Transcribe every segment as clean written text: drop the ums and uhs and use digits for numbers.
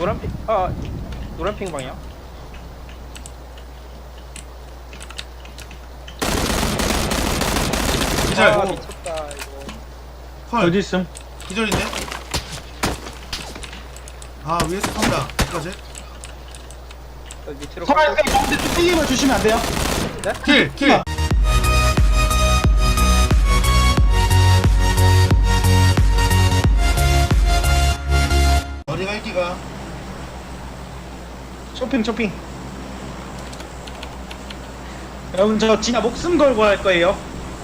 노란핑 노란핑 방향. 기절. 미쳤다 이거. 헐. 어디 있음? 기절인데? 아 위에서 판다. 어떡하지? 여기 밑으로 서라이 깎고. 가운데 뚫리면 주시면 안 돼요? 킬! 킬! 어디가 일기가? 쇼핑. 여러분 저 진짜 목숨 걸고 할 거예요.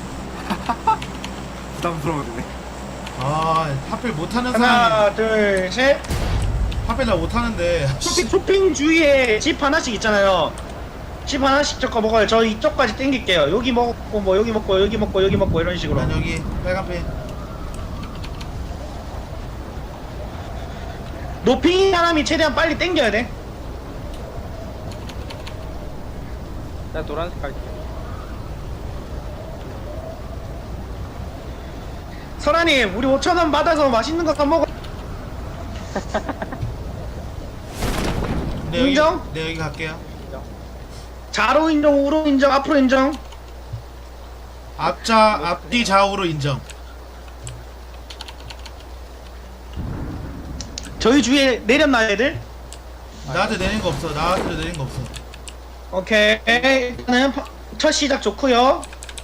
부담스러워지네. 아 하필 못하는 사람이 하나, 둘, 셋. 하필 나 못하는데. 쇼핑 주위에 집 하나씩 있잖아요. 집 하나씩 저거 먹어요. 저 이쪽까지 땡길게요. 여기 먹고 뭐 여기 먹고 여기 먹고 여기 먹고 이런 식으로. 난 여기 빨간펜. 노핑 사람이 최대한 빨리 땡겨야 돼. 나 노란색 갈게. 설아님, 우리 5,000원 받아서 맛있는 거 사 먹어. 네, 여기, 인정? 네 여기 갈게요. 좌로 인정, 우로 인정, 앞으로 인정. 앞뒤 좌우로 인정. 저희 주위에 내렸나 애들? 나한테 내린 거 없어. 나한테 내린 거 없어. 오케이. 일단은 첫 시작 좋고요.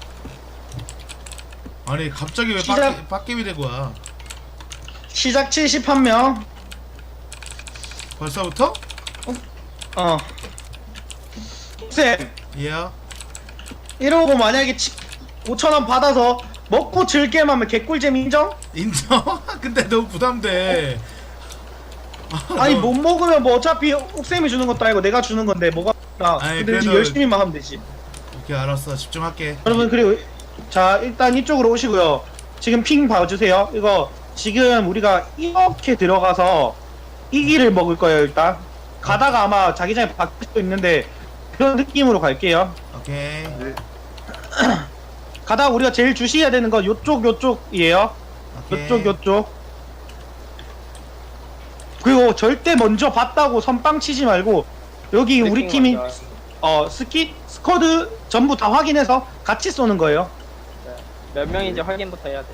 아니 갑자기 왜 시작. 빡겜이 되고 와? 시작 71명. 벌써부터? 어. 쌤, 예. 이러고 만약에 5,000원 받아서 먹고 즐게만 하면 개꿀잼 인정? 인정? 근데 너무 부담돼. 아니 못 먹으면 뭐 어차피 옥쌤이 주는 것도 아니고 내가 주는 건데 뭐가 아니, 근데 그래도- 열심히만 하면 되지. 오케이 알았어. 집중할게. 여러분 그리고 자 일단 이쪽으로 오시고요. 지금 핑 봐주세요. 이거 지금 우리가 이렇게 들어가서 이 길을 먹을 거예요. 일단 가다가 아마 자기장에 바뀔 수도 있는데 그런 느낌으로 갈게요. 오케이. 네. 가다가 우리가 제일 주시해야 되는 건 요쪽이에요. 오케이. 요쪽. 그리고 절대 먼저 봤다고 선빵 치지 말고 여기 우리 팀이 스쿼드 전부 다 확인해서 같이 쏘는 거예요. 몇 명인지 확인부터 해야 돼.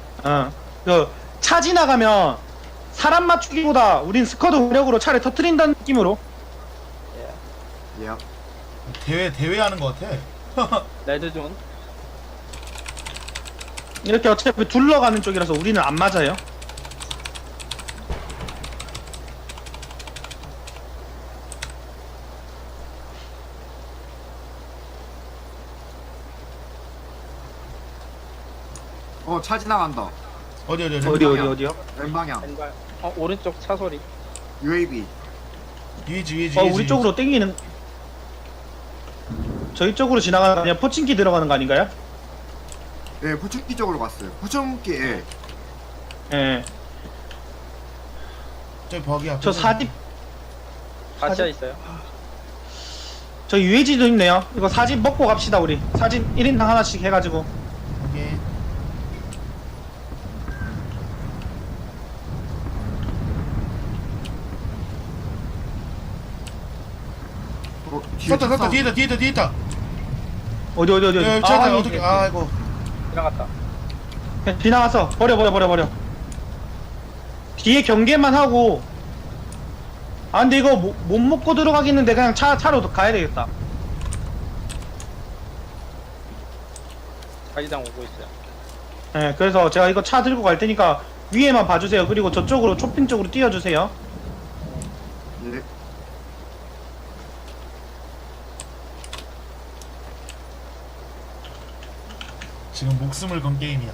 차 지나가면 사람 맞추기보다 우린 스쿼드 운력으로 차를 터트린다는 느낌으로. 예. 예. 대회 하는 거 같아. 레드존. 이렇게 어차피 둘러가는 쪽이라서 우리는 안 맞아요. 차 지나간다. 어디. 어디요? 왼방향. 왼발. 오른쪽 차 소리. UAV. 위지. 우리 쪽으로 땡기는. 저희 쪽으로 지나가는 거 아니야? 포칭기 들어가는 거 아닌가요? 예, 포춘기 쪽으로 갔어요. 포춘기, 예. 예. 저 버기 앞에. 저 사집, 가시아 있어요. 저 UAG도 있네요. 이거 사집 먹고 갑시다, 우리. 사집 1인당 하나씩 해가지고. 오케이. 뒤에 섰다. 차 뒤에 있다. 어디. 야, 차다 어떻게? 아이고. 지나갔다. 지나갔어. 버려. 뒤에 경계만 하고. 아, 근데 이거 못 먹고 들어가겠는데 그냥 차로 가야 되겠다. 자기장 오고 있어요. 예, 그래서 제가 이거 차 들고 갈 테니까 위에만 봐주세요. 그리고 저쪽으로, 쇼핑 쪽으로 띄워주세요. 예. 지금 목숨을 건 게임이야.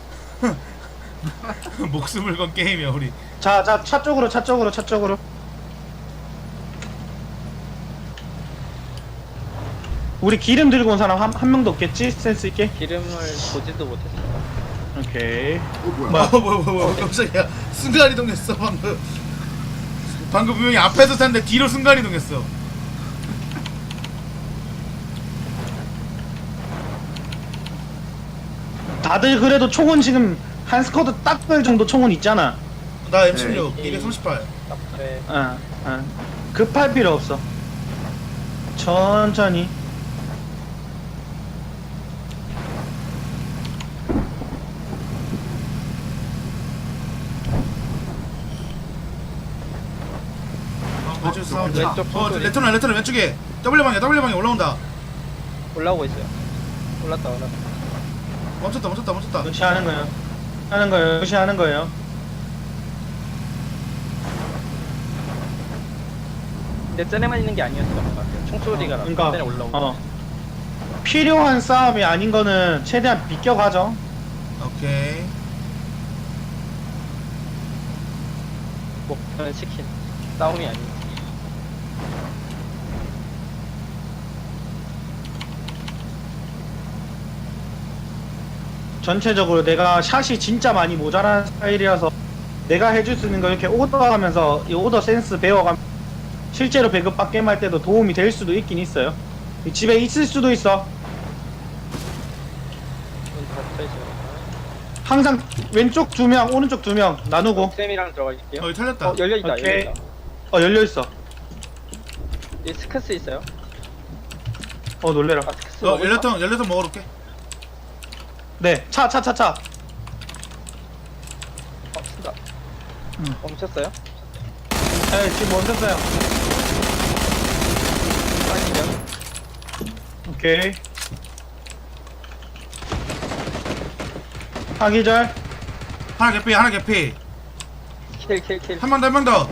목숨을 건 게임이야 우리. 차 쪽으로. 우리 기름 들고 온 사람 한 명도 없겠지? 센스 있게? 기름을 보지도 못했어요. 오케이. 뭐야. 뭐야 깜짝이야. 순간 이동했어 방금. 방금 분명히 앞에서 탔는데 뒤로 순간 이동했어. 다들 그래도 총은 지금 한 스쿼드 딱 별 정도 총은 있잖아. 나 M16 238. 네. 급할 필요 없어. 천천히. 왼쪽 사운드. 왼쪽 소리. 레터널 왼쪽에 W 방에 올라온다. 올라오고 있어요. 올랐다. 멈췄다. 무시하는 거예요. 무시하는 거예요. 근데 쟤네만 있는 게 아니었던 것 같아요. 총소리가 나서 쟤네 올라오고. 필요한 싸움이 아닌 거는 최대한 비껴가죠. 오케이. 목표는 치킨. 싸움이 아니지. 전체적으로 내가 샷이 진짜 많이 모자란 스타일이라서 내가 해줄 수 있는 거 이렇게 오더하면서 이 오더 센스 배워가면 실제로 배급 게임 할 때도 도움이 될 수도 있긴 있어요. 집에 있을 수도 있어. 문 닫혀있어요. 항상 왼쪽 2명, 오른쪽 2명 나누고. 쌤이랑 들어갈게요. 여기 털렸다. 열려있다. 오케이. 열려있다. 열려있어. 이 스크스 있어요. 놀래라. 아, 스크스 먹을까? 연료통 먹으러 올게. 네, 차. 쓴다. 응. 멈췄어요? 네, 지금 멈췄어요. 빠지면 오케이. 하기절. 하나 개피. 킬. 한 명 더.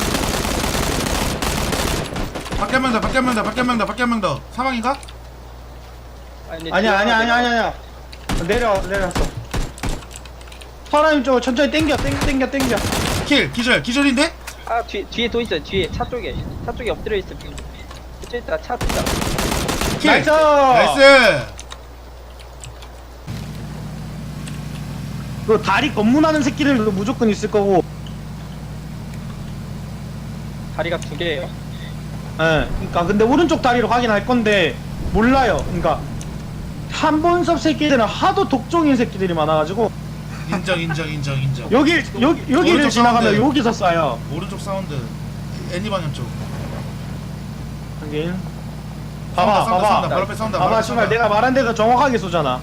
밖에 한 명 더. 사망인가? 아니야. 내려왔어. 사람이 쪽으로 천천히 땡겨. 기절인데? 아 뒤에 또 있어요. 뒤에 차 쪽에 엎드려 있어. 그쪽 있다. 차 있다. 킬. 나이스! 나이스. 그 다리 검문하는 새끼들도 무조건 있을 거고. 다리가 2개예요. 예. 그러니까 근데 오른쪽 다리로 확인할 건데 몰라요. 그러니까 한본섭 새끼들은 하도 독종인 새끼들이 많아가지고 인정. 여기를 오른쪽 지나가면 사운드. 여기서 쏴요. 오른쪽 사운드. 애니 방향 쪽. 하긴. 싸운다. 봐봐. 바로 앞에 싸운다. 봐봐, 씨발 내가 말한 데가 정확하게 쏘잖아.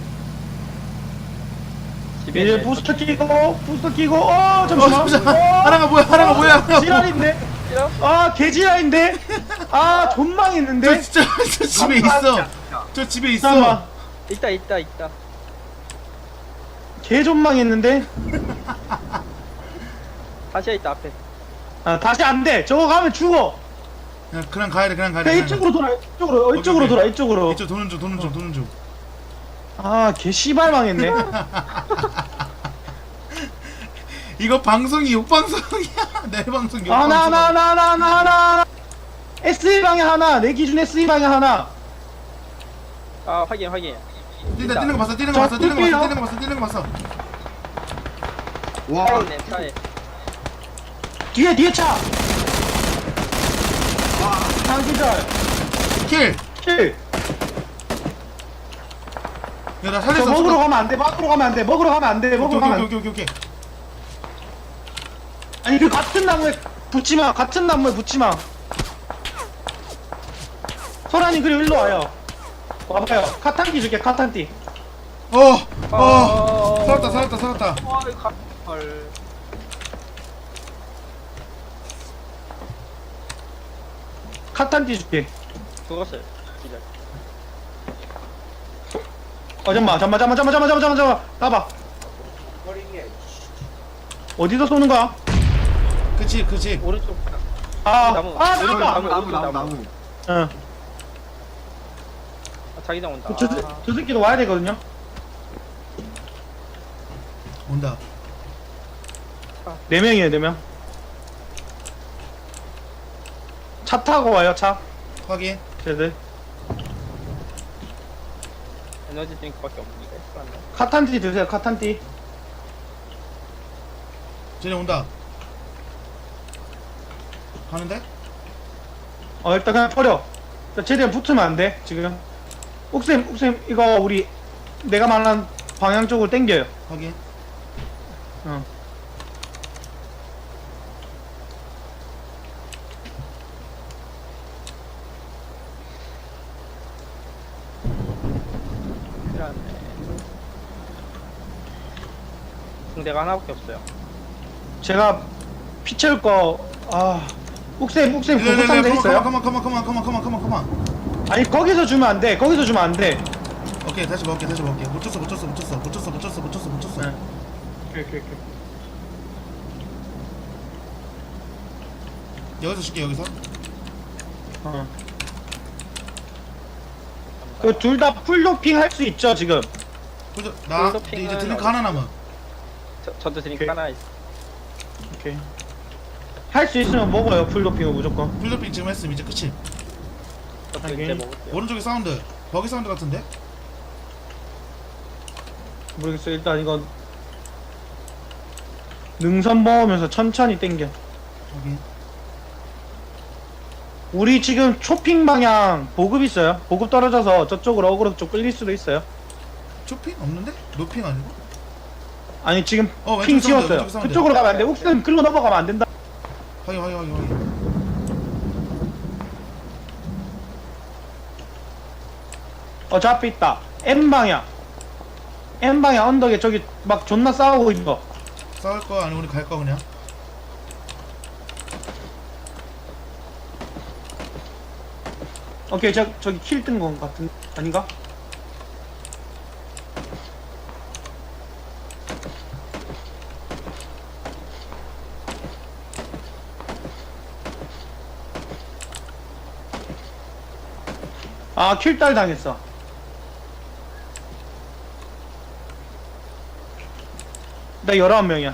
집에 이제 있네. 부스터 끼고, 잠시만. 하나가 뭐야? 지랄인데? 개지랄인데? 존망했는데? 저 집에 있어. 저 집에 있어. 잠깐만. 있다. 개존망했는데? 다시야 있다 앞에. 다시 안 돼. 저거 가면 죽어. 그냥 가야 돼. 그냥 이쪽으로 돌아. 이쪽으로 오케이. 돌아. 이쪽으로. 이쪽 도는 중. 개 씨발 망했네. 이거 방송이 욕방송이야. 내 방송 욕방송. 하나. SE 방에 하나. 내 기준 SE 방에 하나. 아 확인. 뛰는 거 봤어. 와, 차에 있네. 차에. 뒤에 차. 한기절. 킬. 킬. 야, 나 저 살렸어. 먹으러 가면 안 돼. 먹으러 가면 안 돼. 오케이. 아니 그 같은 나무에 붙지 마. 소란이 그리고 일로 와요. 와봐요. 카탄띠 줄게. 카탄띠. 살았다. 헐. 카탄띠 줄게. 죽었어요. 기절. 잠깐만. 나봐. 어디서 쏘는 거야? 그치. 오른쪽. 나무. 나무. 응. 자기장 온다. 저 새끼도 와야 되거든요. 온다. 4명이에요, 4명. 차 타고 와요, 차. 확인. 쟤들. 에너지 드링크밖에 없는데. 그런데. 카탄띠 드세요, 카탄띠. 쟤네 온다. 가는데? 일단 그냥 버려. 최대한 붙으면 안 돼, 지금. 옥쌤, 이거 우리, 내가 말한 방향 쪽으로 당겨요. 확인. 응. 내가 하나밖에 없어요. 제가 피 채울 거, 욱쌤, 구급 상자 있어요? 가만. 아니, 거기서 주면 안 돼. 거기서 주면 안 돼. 오케이, 다시 먹을게. 못 쳤어. 네. 오케이. 여기서 줄게, 여기서. 그 둘 다 풀도핑 할 수 있죠, 지금? 나 풀도핑은 이제 드링크 하나 남아. 저도 드링크 오케이. 하나 있어. 오케이. 할 수 있으면 먹어요, 풀도핑은 무조건. 풀도핑 지금 했음. 이제 끝이. 저도 오케이. 이제 먹을게요. 오른쪽에 사운드. 버기 사운드 같은데? 모르겠어, 일단 이건. 능선 먹으면서 천천히 땡겨. 여기. 우리 지금 초핑 방향 보급 있어요. 보급 떨어져서 저쪽으로 어그로 쪽 끌릴 수도 있어요. 쇼핑 없는데? 노핑 아니고? 아니 지금 왼쪽 핑 사운드, 지웠어요. 왼쪽 사운드. 그쪽으로 가면 안 돼. 옥스는 글로 넘어가면 안 된다. 확인. 저 앞에 있다. M 방향 언덕에 저기 막 존나 싸우고 있어. 싸울 거 아니면 우리 갈 거 그냥? 오케이, 저기 킬 뜬 건 같은 아닌가? 킬딸 당했어. 나 19명이야.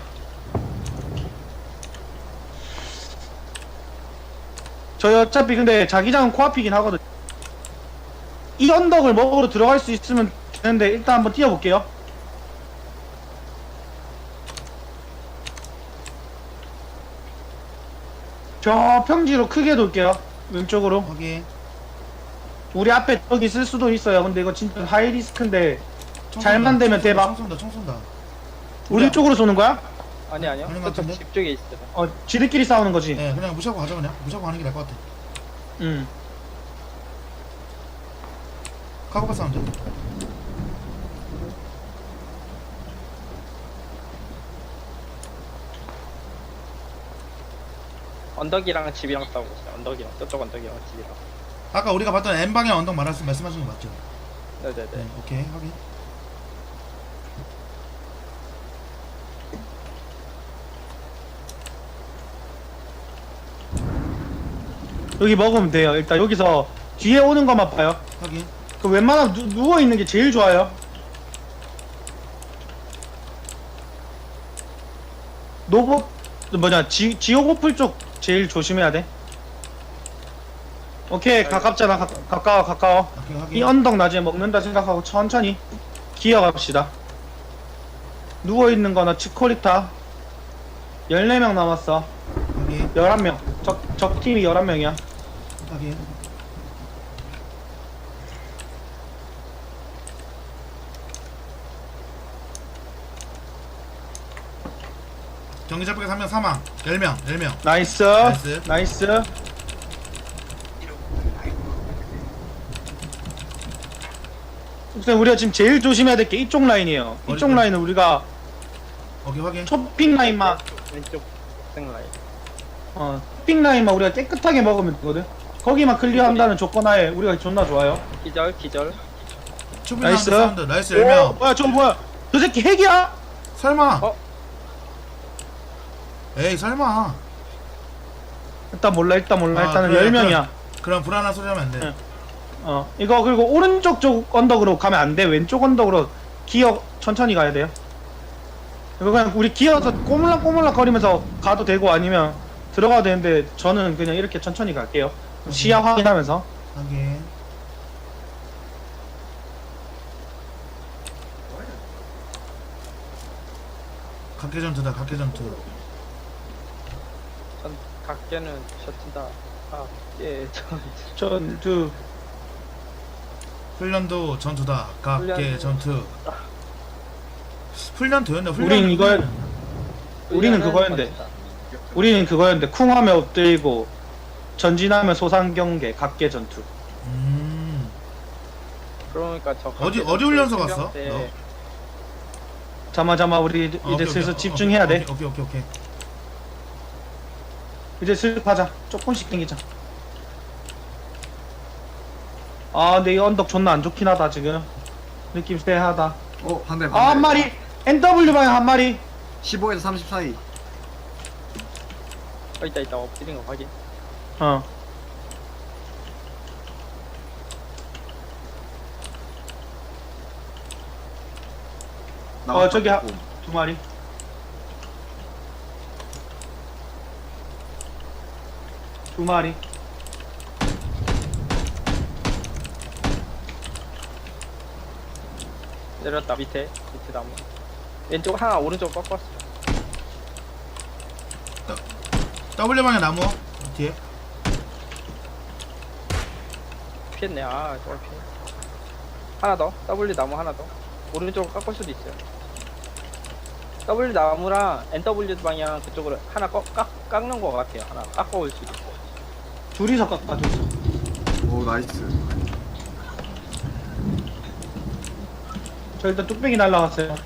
저희 어차피 근데 자기장은 코앞이긴 하거든. 이 언덕을 먹으러 들어갈 수 있으면 되는데 일단 한번 뛰어볼게요. 저 평지로 크게 돌게요. 왼쪽으로. 확인. 우리 앞에 저기 있을 수도 있어요. 근데 이거 진짜 하이 리스크인데 잘만 되면 대박. 총 쏜다. 우리 쪽으로 쏘는 거야? 아니요. 아닌 것 저쪽 같은데? 집 쪽에 있어요. 지들끼리 싸우는 거지. 네, 그냥 무시하고 가자 그냥. 무시하고 가는 게 나을 것 같아. 카고파 사운드. 언덕이랑 집이랑 싸우고 있어요. 언덕이랑 저쪽 언덕이랑 집이랑. 아까 우리가 봤던 M 방향 언덕 말씀하신 거 맞죠? 네네네. 네, 오케이 확인. 여기 먹으면 돼요. 일단 여기서 뒤에 오는 것만 봐요. 확인. 그 웬만하면 누워있는 게 제일 좋아요. 지오고풀 쪽 제일 조심해야 돼. 오케이, 가깝잖아. 가까워. 오케이 확인. 이 언덕 나중에 먹는다 생각하고 천천히 기어갑시다. 누워있는 거나 치코리타 14명 남았어. 확인. 11명. 적팀이 11명이야. 확인. 경기 잡히게 3명 사망. 10명. 나이스. 옥쌤, 우리가 지금 제일 조심해야 될 게 이쪽 라인이에요. 이쪽 어디? 라인은 우리가 오케이 확인. 초핑 라인만 왼쪽 생라인. 초핑 라인만 우리가 깨끗하게 먹으면 되거든. 거기만 클리어한다는 조건 하에 우리가 존나 좋아요. 기절. 추빈 나이스. 사운드. 나이스 오, 10명. 뭐야, 저거 뭐야? 저 새끼 핵이야? 설마. 어? 에이 설마. 일단 몰라. 일단은 그래, 10명이야. 그럼 불안한 소리 하면 안 돼. 네. 이거 그리고 오른쪽 쪽 언덕으로 가면 안 돼. 왼쪽 언덕으로 기어 천천히 가야 돼요. 이거 그냥 우리 기어서 꼬물락꼬물락 거리면서 가도 되고 아니면 들어가도 되는데 저는 그냥 이렇게 천천히 갈게요. 시야 확인하면서. 확인. 각계전투다 각계전투. 전 각계는 셔츠다. 전투. 훈련도 전투다. 각계전투. 훈련도였네. 우린 우리는 그거였는데. 우리는 그거였는데 쿵하면 엎드리고 전진하면 소상경계 각계 전투. 그러니까 저 어디 각계 훈련소 전투 갔어? 때 너? 잠깐만 우리 이제 오케이, 슬슬 오케이. 집중해야 돼. 오케이. 이제 슬슬 가자. 조금씩 당기자. 아 근데 이 언덕 존나 안 좋긴 하다 지금. 느낌 쎄하다. 반대 아 한 마리. NW 방향 한 마리. 15에서 30 사이. 있다 엎드린 거 확인. 어. 저기 두 마리. 두 마리. 내렸다 밑에 나무. 왼쪽 하나 오른쪽 꺾었어. W 방향 나무 뒤에. 피했네. 아 저걸 피해. 하나 더. W 나무 하나 더. 오른쪽으로 깎을 수도 있어요. W 나무랑 NW 방향 그쪽으로 하나 깎는 거 같아요. 하나 깎아올 수도 있어요. 둘이서 깎아 둘이서. 오 나이스. 저 일단 뚝배기 날라갔어요.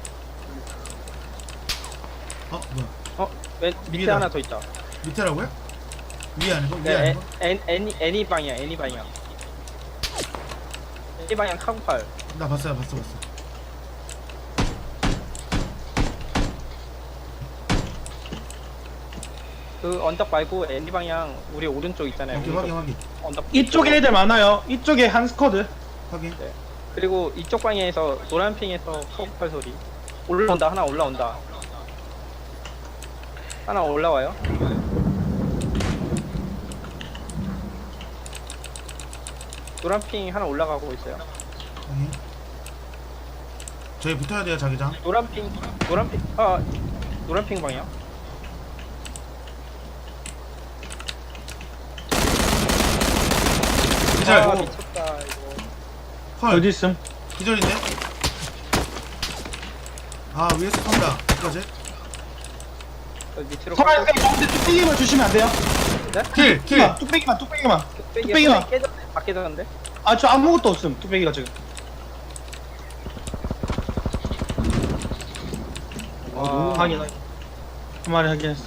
뭐야? 밑에 위에다. 하나 더 있다. 밑에라고요? 위에 아니고? 위에 네, 아니고? N 방향. N 방향 카구팔. 나 봤어. 그 언덕 말고 N 방향 우리 오른쪽 있잖아요. 오케이, 오른쪽 확인. 언덕 이쪽에 애들 많아요. 이쪽에 한 스쿼드. 확인. 그리고 이쪽 방향에서 노란 핑에서 카구팔 소리. 올라온다. 하나 올라온다. 하나 올라와요. 노란 핑 하나 올라가고 있어요. 확인. 저희 붙어야 돼요, 자기장. 노란 핑 방향. 기절. 아 미쳤다 이거. 헐. 어디 있음? 기절인데? 아, 위에서 쏜다. 어떡하지? 저 밑으로 서라이 가운데 뚝배기만 주시면 안 돼요? 킬! 뚝배기만. 뚝배기만. 깨져 깨졌는데. 아 저 아무것도 없음. 뚝배기가 지금. 와. 확인. 한 마리 확인했어.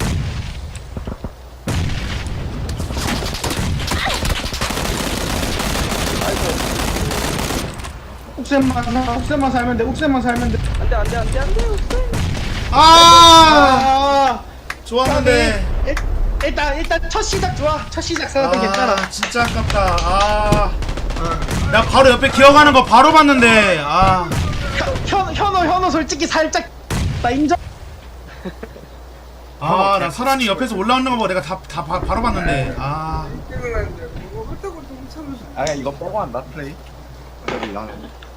옥샘만 살면 돼. 안돼. 아! 좋았는데. 일단 첫 시작 좋아. 첫 시작 생각도 괜찮아. 진짜 아깝다. 아. 나 바로 옆에 기어가는 거 바로 봤는데. 아. 현호 솔직히 살짝 나 인정. 아, 나 설한이 옆에서 올라오는 거 보고 내가 바로 봤는데. 아. 아야 이거 빼고 한다 플레이. 여기 나.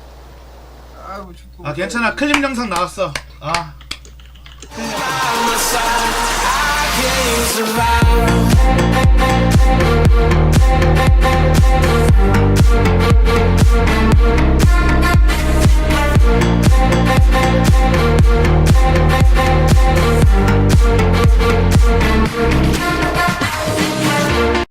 아, 괜찮아. 클립 영상 나왔어. 아. survive.